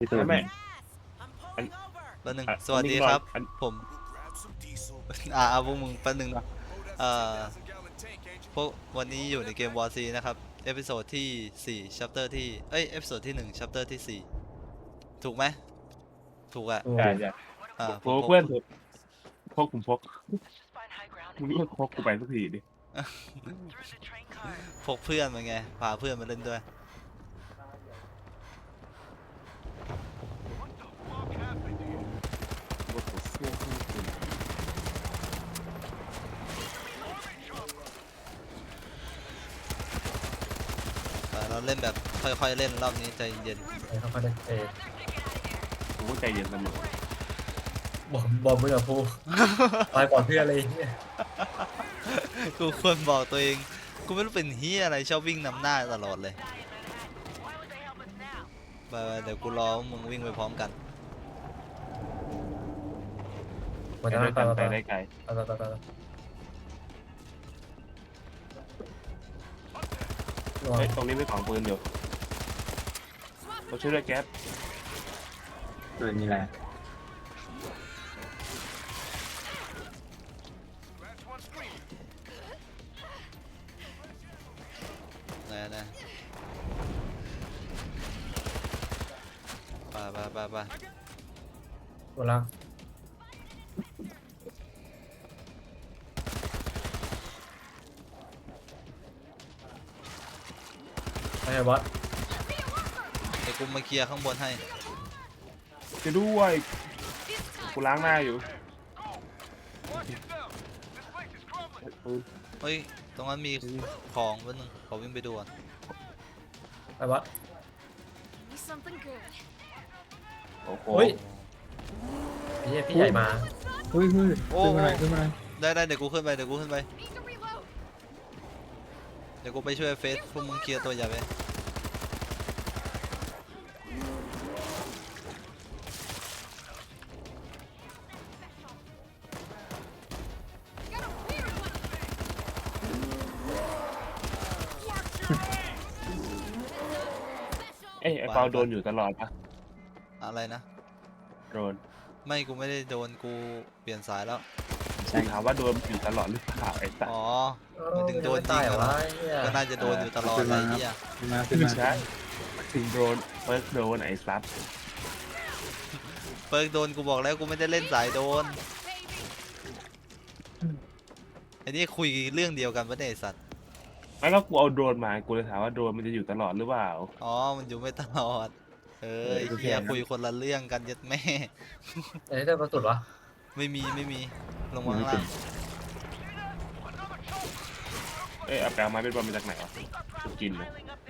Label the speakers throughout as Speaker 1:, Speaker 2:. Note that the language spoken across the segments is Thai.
Speaker 1: พี่ตูน
Speaker 2: ไม่อัน
Speaker 3: แป๊บนึง
Speaker 2: อัน
Speaker 3: สวัสดี
Speaker 2: นิ่งๆก่อน
Speaker 3: ครับ
Speaker 2: อัน
Speaker 3: ผมพวกมึงแป๊บนึงนะเอ่อพวกวันนี้อยู่ในเกม War C นะครับ เอพิโซดที่4 chapter ที่เอพิโซดที่1 chapter ที่4ถูกไหมถูกอะ
Speaker 2: ใช่ใช่
Speaker 3: ผ
Speaker 2: โอ้
Speaker 3: ม
Speaker 2: เพื่อนพกผมพกมึงเลิกพกกูไปสักทีดิ
Speaker 3: พกเพื่อนมาไง พาเพื่อนมาเล่นด้วย เราเล่นแบบค่อยๆเล่นรอบนี้ใจเย็น
Speaker 1: เขาก็ได้
Speaker 2: กูก็ใจเย็นเสมอบ
Speaker 1: อมไม่กับพูตายก่อนเพื่อนเลยเนี่ย
Speaker 3: กูควรบอกตัวเอง กูไม่รู้เป็นเฮียอะไรชอบวิ่งนำหน้าตลอดเลยไปเดี๋ยวกูรอมึงวิ่งไปพร้อมกัน
Speaker 1: มัน
Speaker 2: ไป
Speaker 1: จะ
Speaker 2: ด้วย
Speaker 1: ไป
Speaker 2: กัน
Speaker 1: ไป
Speaker 2: ไปได้ไกล
Speaker 1: ไป
Speaker 2: เฮ้ยตรงนี้ไม่ของปืนอยู่เราช่วยด้วยแก๊ป
Speaker 1: ปืนมีอะไร
Speaker 3: นะไป
Speaker 1: หมดแล้วไอ้บอส
Speaker 3: เดี๋ยวกูมาเคลียร์ข้างบนให้
Speaker 2: จะด้วยกูล้างหน้าอยู่ปืน
Speaker 3: เฮ้ย ตรงนั้นมีของแป๊บนึงขอวิ่งไปดูก่อน
Speaker 1: ไอ้บอส
Speaker 4: Give me something good.
Speaker 2: โอ้โห
Speaker 1: เฮ้ยพี่ใหญ่มา
Speaker 3: โอ้
Speaker 1: ขึ้นมา
Speaker 3: ได้เดี๋ยวกูขึ้นไป
Speaker 4: Need to reload.
Speaker 3: เดี๋ยวกูไปช่วยเฟสพวกมึงเคลียร์ตัวใหญ่ไป
Speaker 4: Got a weird one.
Speaker 2: เอ้ยไอ้เปาโดนอยู่ตลอดปะ
Speaker 3: อะไรนะ
Speaker 2: โดน
Speaker 3: ไม่กูไม่ได้โดนกูเปลี่ยนสายแล้ว
Speaker 2: กูถามว่าโดนอยู่ตลอดหรือเปล่าไอ้สัส
Speaker 3: อ๋อ
Speaker 1: ไม่ถึงโดนตายเหรอวะ
Speaker 3: ก็น่าจะโดนอยู่ตลอดอะไรเงี้ย
Speaker 2: ไม่ใช่ถึงโดนเฟิร์สโดนไอ้ซับ
Speaker 3: เปิร์กโดนกูบอกแล้วกูไม่ได้เล่นสายโดน
Speaker 4: Baby.
Speaker 3: ไอ้นี่คุยเรื่องเดียวกันปะเนี่ยไอ้สัตว์
Speaker 2: ไม่ก็กูเอาโดรนมากูเลยถามว่าโดรนมันจะอยู่ตลอดหรือเปล่า
Speaker 3: อ๋อ มันอยู่ไม่ตลอด ไอ้
Speaker 2: โอเค
Speaker 3: เฮียคุยคนละเรื่องกันยัดแม่
Speaker 1: ไอ้เจ้ากระสุนวะ
Speaker 3: ไม่มีลงมาข้างล่าง
Speaker 2: เอ้ยเอาแปลมาเป็นบอลมาจากไหนวะกูกินเลย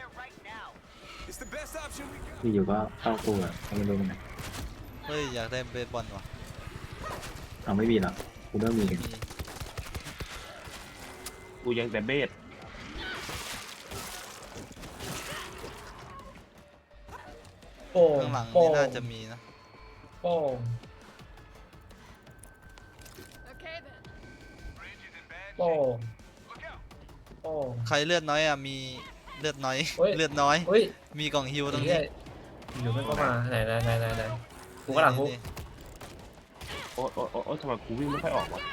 Speaker 5: ที่อยู่ก็เข้ากูอ่ะไม่รู้มันไหน
Speaker 3: เฮ้ย อยากได้เบสบอลว่ะ
Speaker 5: เอาไม่มีหรอกกูเริ่มมีกัน
Speaker 3: มี
Speaker 2: กูยังแต่เบส
Speaker 1: โป่ง
Speaker 3: ข้างหลัง
Speaker 1: โป่
Speaker 3: นี่
Speaker 1: ง
Speaker 3: น่าจะมีนะ
Speaker 1: โป่ง
Speaker 4: Okay then.
Speaker 1: โป่งโป่ง
Speaker 3: ใครเลือดน้อยอ่ะ มีเลือดน้อย
Speaker 1: เฮ้ย
Speaker 3: เลือดน้อย
Speaker 1: เฮ้ย
Speaker 3: มีกล่องฮิวตรง
Speaker 1: เหี้
Speaker 3: นี้
Speaker 1: ยอยู่ไม่เข้ามาไหนกูกำลังกู
Speaker 3: นี่
Speaker 2: โอ้โอ้โอ้โอ้ทำไมกูวิ่งไม่ค่อยออกวะ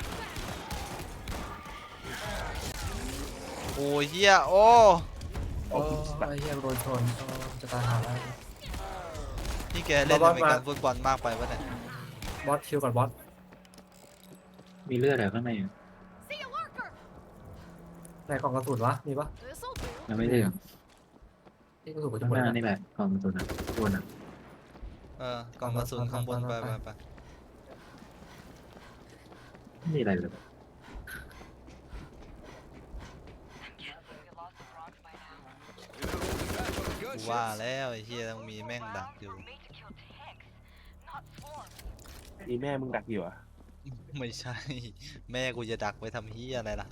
Speaker 3: โอ้ยเฮียโอ้
Speaker 1: โอ้ไอ้เหี้ยโดนชนจะตายหาแล้ว
Speaker 3: นี่แกเล่น
Speaker 1: บอส
Speaker 3: อเมริกันฟุตบอลมากไปปะเนี่ย
Speaker 1: บอสคิวก่อนบอส
Speaker 5: มีเลือดอะไรข้างในอ่ะ
Speaker 4: See a lurker.
Speaker 1: ไหนกล่องกระสุนวะมีปะ
Speaker 4: This'll do.
Speaker 5: ยังไม่ได้หรอก
Speaker 1: นี่กระสุนกูจะ
Speaker 5: ข้าง
Speaker 1: หมด
Speaker 5: หน้า
Speaker 1: แล้ว
Speaker 5: นี่แหละกล่องตัวนั้นตัวนั้น
Speaker 3: กล่องกระสุนข้างบนไป
Speaker 5: ไม่มีอะไรเลย
Speaker 3: กูว่าแล้วไอ้เฮียต้องมีแม่งดักอยู่
Speaker 2: นี่แม่มึงดักอยู่อ่ะ
Speaker 3: ไม่ใช่ แม่กูจะดักไปทำเฮียอะไรล่ะ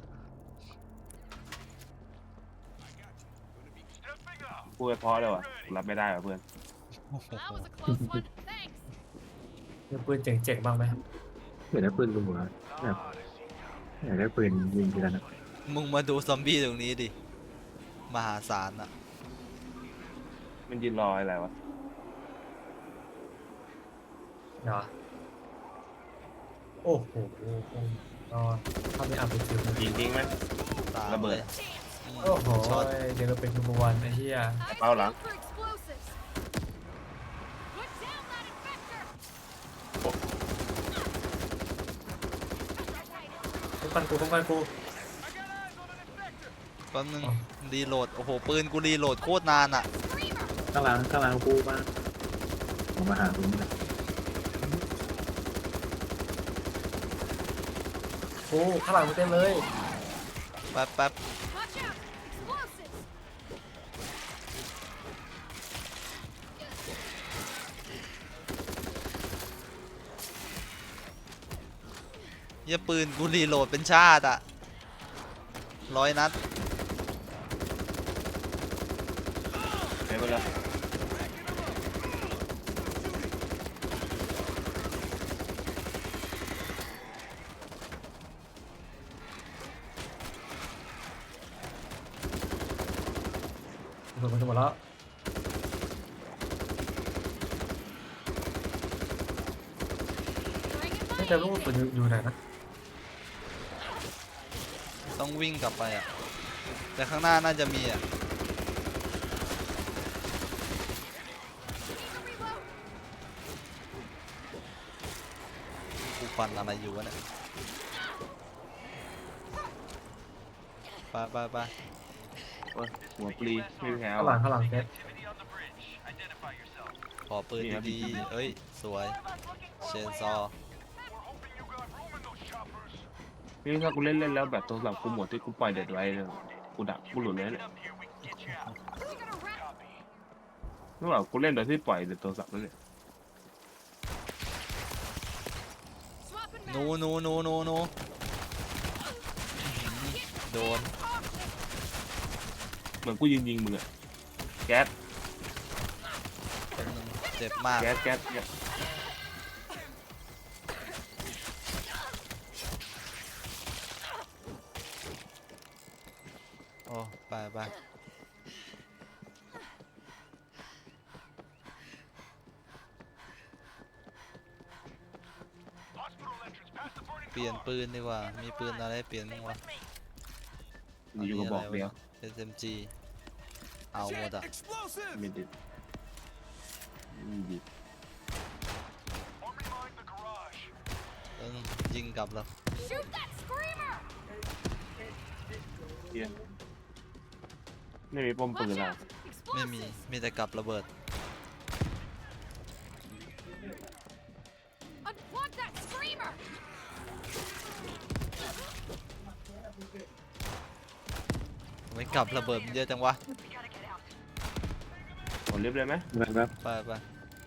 Speaker 2: พูดไปเพราะเลยวะรับไม่ได้ว่ะเพื่อน
Speaker 4: That was a close one. Thanks.
Speaker 1: มีปืนเจ๋งๆบ้างไหม
Speaker 5: อยากได้ปืนรัวแบบอยากได้ปืนยิงทีละนัด
Speaker 3: มึงมาดูซอมบี้ตรงนี้ดิ มหาศาลอ่ะ
Speaker 2: มันยืนรออะไรวะ
Speaker 6: เหรอโอ้โหก็ถ้าไม่เอาไปคิวมัน
Speaker 2: ยิงทิ้งไหม
Speaker 3: ตาม
Speaker 2: ระเบิด
Speaker 3: ลย
Speaker 6: โอ้โห
Speaker 3: ช็อต
Speaker 6: เดี๋ยวเราเป็นนัมเบอร์วันไอ้เหี้ย
Speaker 4: Eyes
Speaker 2: Bao lắm.
Speaker 4: peeled for explosives. Put down that infector.
Speaker 6: ป้องกันกูป้องกันกู
Speaker 3: แป๊บนึงรีโหลด โอ้โห ปืนกูรีโหลดโคตรนานอ่ะ
Speaker 4: Screamer.
Speaker 5: ข้างหลังกูมาผมมาหาคุณนะ
Speaker 6: กูข้างหลังกูเต็มเลย
Speaker 3: แป๊บแป๊บ
Speaker 4: Watch out. Explosives.
Speaker 3: เหี้ยปืนกูรีโหลดเป็นชาติอ่ะ100 นัด
Speaker 2: เดี๋ยวไปเลย
Speaker 6: หมดหมดแล้ว
Speaker 4: Bring it
Speaker 6: ไม่เจอ
Speaker 4: by
Speaker 6: ลูก
Speaker 4: easy.
Speaker 6: ปืนอยู่ไหนนะ
Speaker 3: ต้องวิ่งกลับไปอ่ะ แต่ข้างหน้าน่าจะมีอ่ะ
Speaker 4: Need to reload.
Speaker 3: กูฟันอะไรอยู่วะเนี่ยไปไปไป
Speaker 2: โอ้ยหัวปลีไม่มีแถว
Speaker 6: ข้างหลังเซต
Speaker 1: Activity on the bridge. Identify yourself.
Speaker 3: ขอปืนดีๆเอ้ย สวย เชนซอ
Speaker 1: We're hoping you got room in those choppers.
Speaker 2: นี่ถ้ากูเล่นแล้วแบบโทรศัพท์กูหมดที่กูปล่อยเด็ดไว้เลยกูดับกูหลุดเลยเนี่ย
Speaker 1: Up here, we can get you out.
Speaker 4: We gotta wrap.
Speaker 1: Copy.
Speaker 2: นึกว่ากูเล่นโดยที่ปล่อยเด็ดโทรศัพท์นั่นเนี่ย
Speaker 4: Swapping
Speaker 3: หนู
Speaker 4: mags.
Speaker 3: หนูหนูหนูหนูโดน
Speaker 2: เหมือนกูยิงมึงอะแก๊ส
Speaker 3: แป๊บนึงเจ็บมาก
Speaker 2: แก๊สเนี่ย
Speaker 3: โอ้ไปไป
Speaker 1: Hospital entrance past the burning
Speaker 3: เปลี่ยนปืนดีกว่า มีปืนอะไรให้เปลี่ยนบ้างวะ
Speaker 2: อยู่กับบอกเดียว
Speaker 3: SMG เอาหมดอ่ะ
Speaker 2: ไม่ดิดไม่ดิด
Speaker 1: Armory mine the garage.
Speaker 3: ยิงกลับแล้ว
Speaker 4: Shoot that screamer.
Speaker 2: เฮียไม่มีป้อมปืน
Speaker 4: Watch
Speaker 2: อะ
Speaker 4: out.
Speaker 3: ไม่มี
Speaker 4: Explosives.
Speaker 3: มีแต่กลับระเบิด
Speaker 4: Unplug that screamer.
Speaker 3: ไม่กลับระเบิดมันเยอะจังวะ
Speaker 2: กดลิฟต์เลยไหม
Speaker 5: แบบ
Speaker 3: ไปไป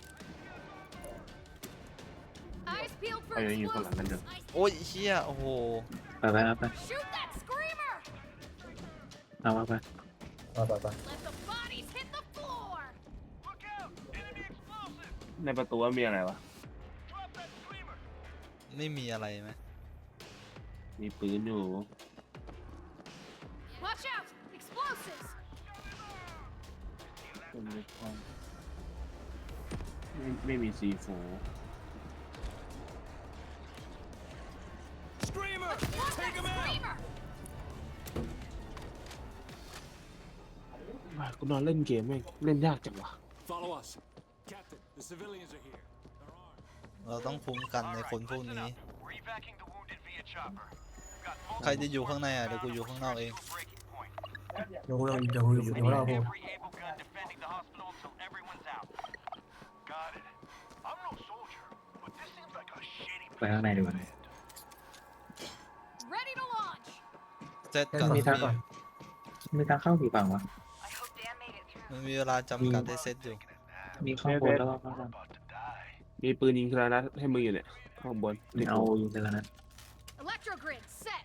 Speaker 4: Eyes peeled for
Speaker 2: เอาอย่างนี้อยู่ข้างหลังกันเถอะ
Speaker 4: explosives.
Speaker 3: โอ้ยเฮียโอ้โห
Speaker 5: ไป
Speaker 4: Shoot that screamer.
Speaker 5: เอาไป
Speaker 6: ไป
Speaker 4: Let the bodies hit the floor.
Speaker 1: Look out! Enemy explosive!
Speaker 2: ในประตูว่ามีอะไรวะ
Speaker 1: Drop that screamer!
Speaker 3: ไม่มีอะไรไหม
Speaker 2: มีปืนอยู่
Speaker 4: Watch out. Explosives.
Speaker 2: ไม่มีซีโฟ
Speaker 1: Screamer!
Speaker 4: Unplug that screamer.
Speaker 2: กูนอนเล่นเกมแม่งเล่นยากจังวะ
Speaker 7: Follow us. Captain, the civilians are here. They're armed.
Speaker 3: เราต้องคุ้มกันในคนพวกนี้
Speaker 1: We're evacuating the wounded via chopper. We've got
Speaker 3: ใครจะอยู่ข้างในอ่ะ เดี๋ยวกูอยู่ข้างนอกเอง
Speaker 1: breaking point.
Speaker 6: เดี๋ยวเราพูด
Speaker 1: Every able gun defending the hospital until everyone's out. Got it. I'm no soldier, but this seems like a shitty
Speaker 5: ไปข้างในดีกว่า
Speaker 4: Ready to launch.
Speaker 3: เซตก่อน
Speaker 5: มีทางเข้ากี่ฝั่งวะ
Speaker 3: มันมีเวลาจำกัดให้เซตอยู่
Speaker 5: มีข้างบนแล้วก็ข้างล่าง
Speaker 1: about to die.
Speaker 2: มีปืนยิงครานัดให้มึงอยู่เนี่ยข้างบน
Speaker 5: มีเอายิงไปแล้วนะ
Speaker 4: Electro grid set.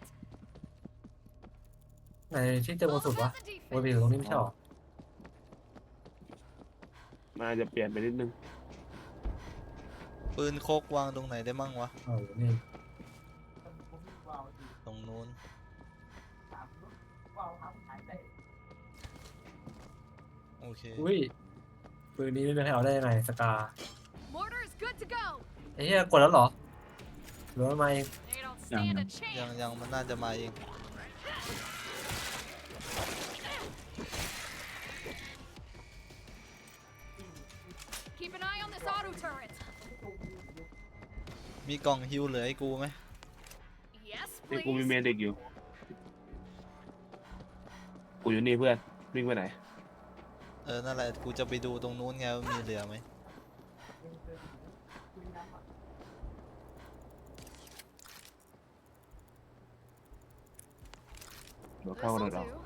Speaker 6: ไหนที่เจอบนสุดวะ
Speaker 4: Close out the
Speaker 6: โอ้ยไป
Speaker 4: defense.
Speaker 6: อยู่ตรงนี้ไม่ใช่หรอ
Speaker 2: มันอาจจะเปลี่ยนไปนิดนึง
Speaker 3: ปืนโคกวางตรงไหนได้มั่งวะ
Speaker 6: นี่
Speaker 3: ตรงนู้น โอเค
Speaker 6: อุ้ยปืนนี้ไม่ให้เอาได้ยังไงสกา
Speaker 4: Mortar is good to go.
Speaker 6: ไอ้เหี้ยกดแล้วเหรอหรือว่ามาเอง
Speaker 4: They don't stand a chance.
Speaker 3: ยังมันน่าจะมาเอง
Speaker 4: Keep an eye on this auto turret.
Speaker 3: มีกล่องฮิวเหลือให้กูไหม
Speaker 4: Yes,
Speaker 2: นี่กูมี
Speaker 4: please.
Speaker 2: เมดิกอยู่ กูอยู่นี่เพื่อน วิ่งไปไหน
Speaker 3: นั่นแหละกูจะไปดูตรงนู้นไงว่ามีเหลือไหม
Speaker 2: เดี๋ยวเข้าเลย
Speaker 4: This'll
Speaker 2: เหรอ
Speaker 4: do.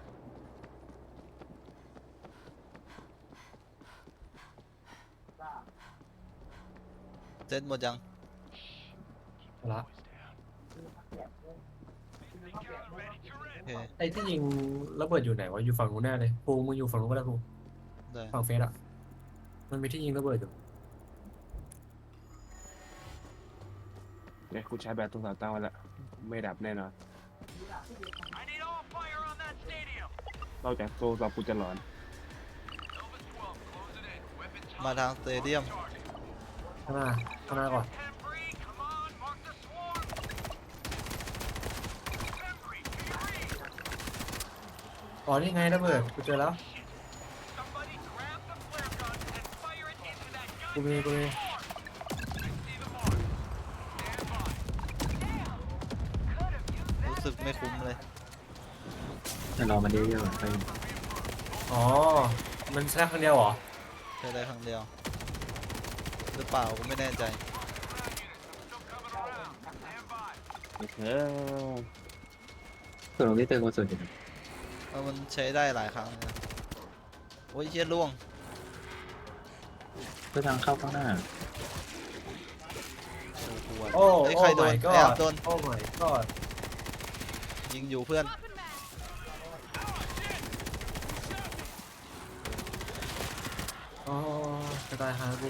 Speaker 3: เซ็ตหมดยัง
Speaker 6: เอาละ
Speaker 3: โอเค
Speaker 6: ไอ้ที่ยิงระเบิดอยู่ไหนวะอยู่ฝั่งนู้นแน่เลยภูมิมึงอยู่ฝั่งนู้นก็ได้ภูมิ
Speaker 3: ได้
Speaker 6: ฝั่งเฟสอะมันมีที่ยิงระเบิดอยู่
Speaker 2: เนี่ยกูใช้แบตตรงสาวตั้งไว้แล้ว ไม่ดับแน่นอน
Speaker 1: I need all fire on that stadium.
Speaker 2: นอกจากโซ่เรากูจะหลอน
Speaker 1: Elvis 12, close it in. Weapon
Speaker 3: มา
Speaker 1: time.
Speaker 3: ทางสเตเดียม
Speaker 6: ข้างหน้าก่อน
Speaker 1: Pembry, come on, mark the swarm. Pembry, do you read?
Speaker 6: อ๋อนี่ไงระเบิดกูเจอแล้ว
Speaker 1: Somebody grab the flare gun and fire it into that
Speaker 6: กู
Speaker 1: gun.
Speaker 6: มี
Speaker 1: I see the mark. Stand by. Damn. Could have used
Speaker 3: รู้
Speaker 1: that
Speaker 3: สึกไม่
Speaker 1: there.
Speaker 3: คุ้มเลย
Speaker 5: แต่รอมันเยอะๆไป
Speaker 6: อ๋อมันแค่ครั้งเดียวเหรอ
Speaker 3: ใช้ได้ครั้งเดียว หรือเปล่ากูไม่แน่ใจ
Speaker 1: Still coming around. Stand by.
Speaker 2: เออ
Speaker 5: ส่วนตรงที่เติมกระสุนอยู่
Speaker 3: มันใช้ได้หลายครั้งเลยนะโอ้ยเชี่ยล่วง
Speaker 5: เพื่อทางเข้าข้างหน้า
Speaker 6: โอ้
Speaker 3: ไอ้ยใครโดน
Speaker 6: my
Speaker 3: ไอ้อับ
Speaker 6: god
Speaker 3: โดน
Speaker 6: โอ้ my god
Speaker 3: ยิงอยู่เพื่อน
Speaker 4: Swapping mag.
Speaker 6: อ๋อจะตายหากู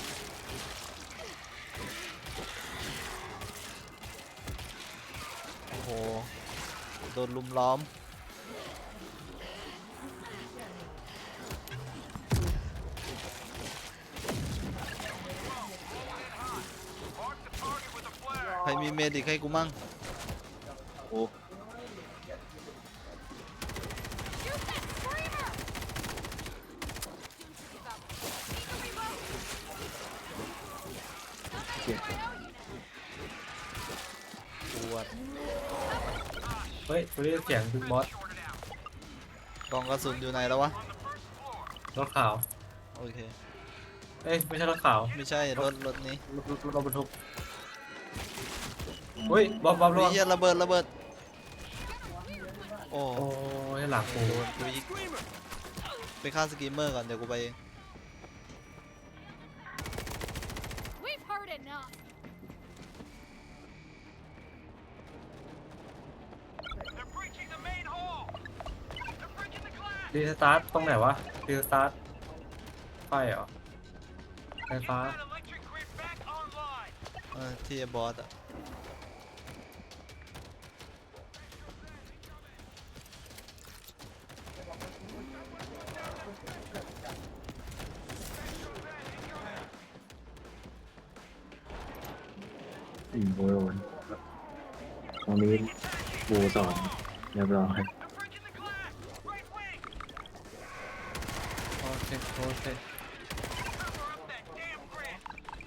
Speaker 3: โอ้โห โดนลุมล้อม
Speaker 1: Mark the target with a flare.
Speaker 3: ใครมีเมดิกให้กูมั่ง
Speaker 2: โอ้
Speaker 4: Shoot that screamer. Give up. Need to reload. Somebody I owe you now.
Speaker 3: ปวด
Speaker 6: เฮ้ยกูได้ยินเสียงบิ๊กบอส
Speaker 1: Shorted out.
Speaker 3: กล่องกระสุนอยู่ไหนแล้ววะ
Speaker 1: On the first floor.
Speaker 6: รถขาว
Speaker 3: โอเค
Speaker 6: เอ้ยไม่ใช่รถขาว
Speaker 3: ไม่ใช่รถนี้
Speaker 6: รถบรรทุกเฮ้ยบ๊อบระ
Speaker 3: มี
Speaker 6: วัง
Speaker 3: เหี้ยระเบิด โอ้
Speaker 6: โอ้ยหลังกู
Speaker 3: โดนกูอีกไปฆ่าสกรีมเมอร์ก่อน เดี๋ยวกูไปเอง
Speaker 4: We've heard enough.
Speaker 1: They're breaching the main hall. They're breaching the glass.
Speaker 6: รีสตาร์ทตรงไหนวะรีสตาร์ทไฟเหรอไฟ
Speaker 1: Get
Speaker 6: ฟ้า
Speaker 1: that electric grid back online.
Speaker 3: ที่ไอ้บอสอะ
Speaker 5: โบโรนตรงนี้โบสองเรียบร้อย
Speaker 1: They're breaching the glass. Right wing.
Speaker 6: โอเคโอเค
Speaker 1: Cover up that damn grid.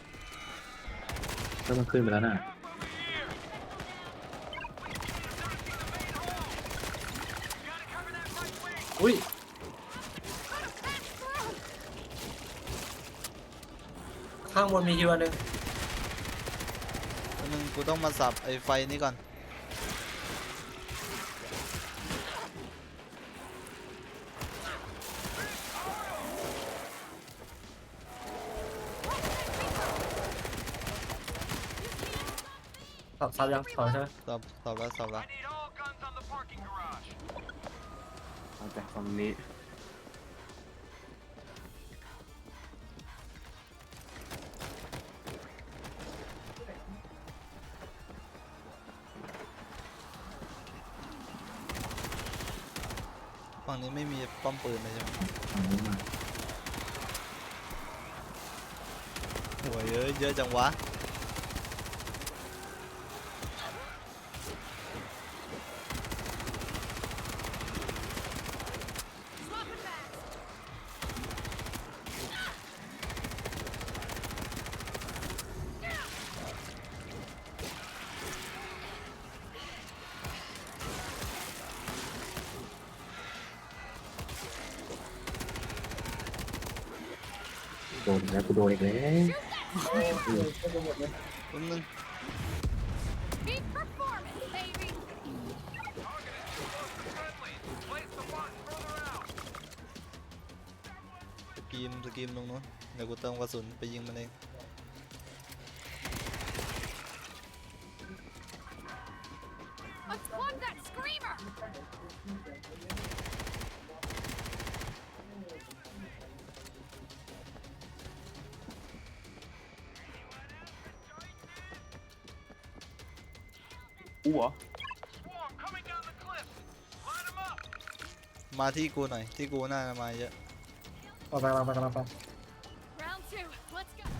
Speaker 5: ก็มันขึ้นไปแล้วน่ะ
Speaker 1: Over here. Gotta cover that right wing.
Speaker 6: อุ้ย ข้างบนมีฮิวอันหนึง
Speaker 3: แล้วมึงกูต้องมาสับไอ้ไฟนี้ก่อน
Speaker 6: สับยังถอยใช่ไหม
Speaker 3: ตอบแล้ว
Speaker 1: I need all guns on the parking garage.
Speaker 2: เอาจากฝั่งนี้
Speaker 3: ฝั่งนี้ไม่มีป้อมปืนเลยใช่ไหม
Speaker 5: ฝั่งนี้มา
Speaker 3: โหยเยอะจังวะ
Speaker 5: โดนอีกแล้วกูโดนอีกแล้ว
Speaker 3: แป๊บนึง
Speaker 4: Peak performance, baby.
Speaker 1: Place the button further out.
Speaker 3: สกรีมตรงนู้นเดี๋ยวกูเติมกระสุนไปยิงมันเอง
Speaker 4: Unplug that screamer.
Speaker 2: อู้เหรอ
Speaker 1: Swarm coming down the cliff. Line them up.
Speaker 3: มาที่กูหน่อยที่กูน่าจะมาเยอะ
Speaker 6: กำลังไป
Speaker 4: Round two. Let's go.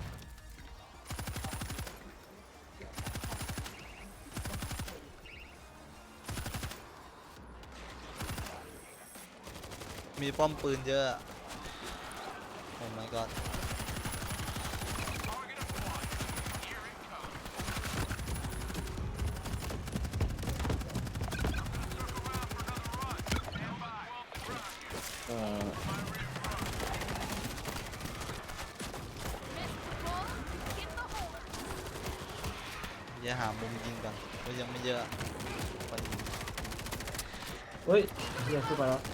Speaker 3: มีป้อมปืนเยอะอะโอ้ my god
Speaker 1: Target acquired. Here it comes. Circle around for another run. Stand by.
Speaker 2: เออ
Speaker 4: Missed the ball. Get the hole.
Speaker 3: อย่าหามุมยิงกันก็ยังไม่เยอะไปยิง
Speaker 6: เฮ้ยเฮียขึ้นไปแล้ว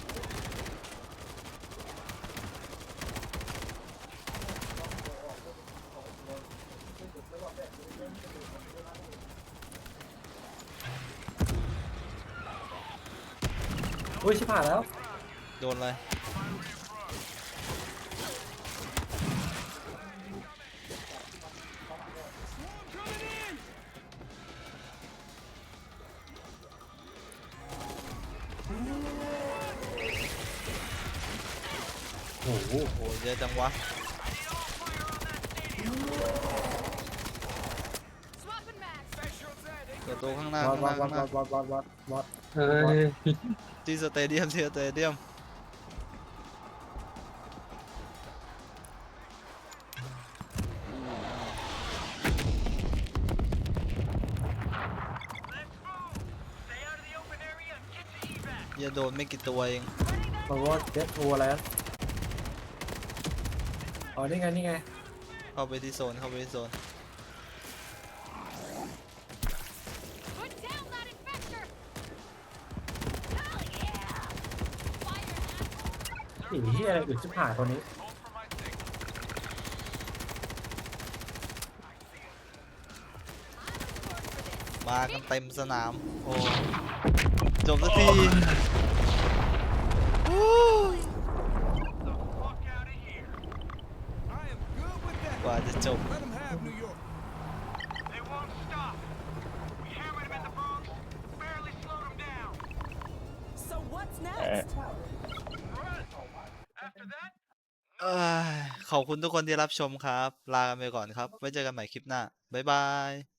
Speaker 6: อุ้ยชิบหายแล้ว
Speaker 3: โดนอะไรโอ้โหเยอะจังวะ
Speaker 4: Swapping mags.
Speaker 3: เกิดตัวข้างหน้า
Speaker 6: วั
Speaker 3: ข้าง
Speaker 6: ด
Speaker 3: หน้า
Speaker 6: วัด
Speaker 3: ข้างห
Speaker 6: วั
Speaker 3: น้า
Speaker 6: ดวัด
Speaker 5: เฮ้ย
Speaker 3: ที่สเตเดียมอย่าโดนไม่กี่ตัวเอง
Speaker 6: มาวัดเด็ดโอแล้วอ๋อนี่ไง
Speaker 3: เข้าไปที่โซน
Speaker 4: Put down that infector. Hell yeah. Fire that.
Speaker 6: ผีเฮียอะไรอึดชิบหายคนนี้
Speaker 1: Hold for my signal.
Speaker 3: มากันเต็มสนาม โอ้จบสักที
Speaker 1: The fuck out of here.
Speaker 7: I am good with that.
Speaker 3: กว่าจะจบ
Speaker 7: Let them have New York.
Speaker 1: They won't stop. We hammered them in the Bronx. Barely slowed them down.
Speaker 8: So what's
Speaker 2: เออ
Speaker 8: next?
Speaker 1: Run. After that,
Speaker 3: เอ้ยขอบคุณทุกคนที่รับชมครับ ลากันไปก่อนครับ ไว้เจอกันใหม่คลิปหน้า บ๊ายบาย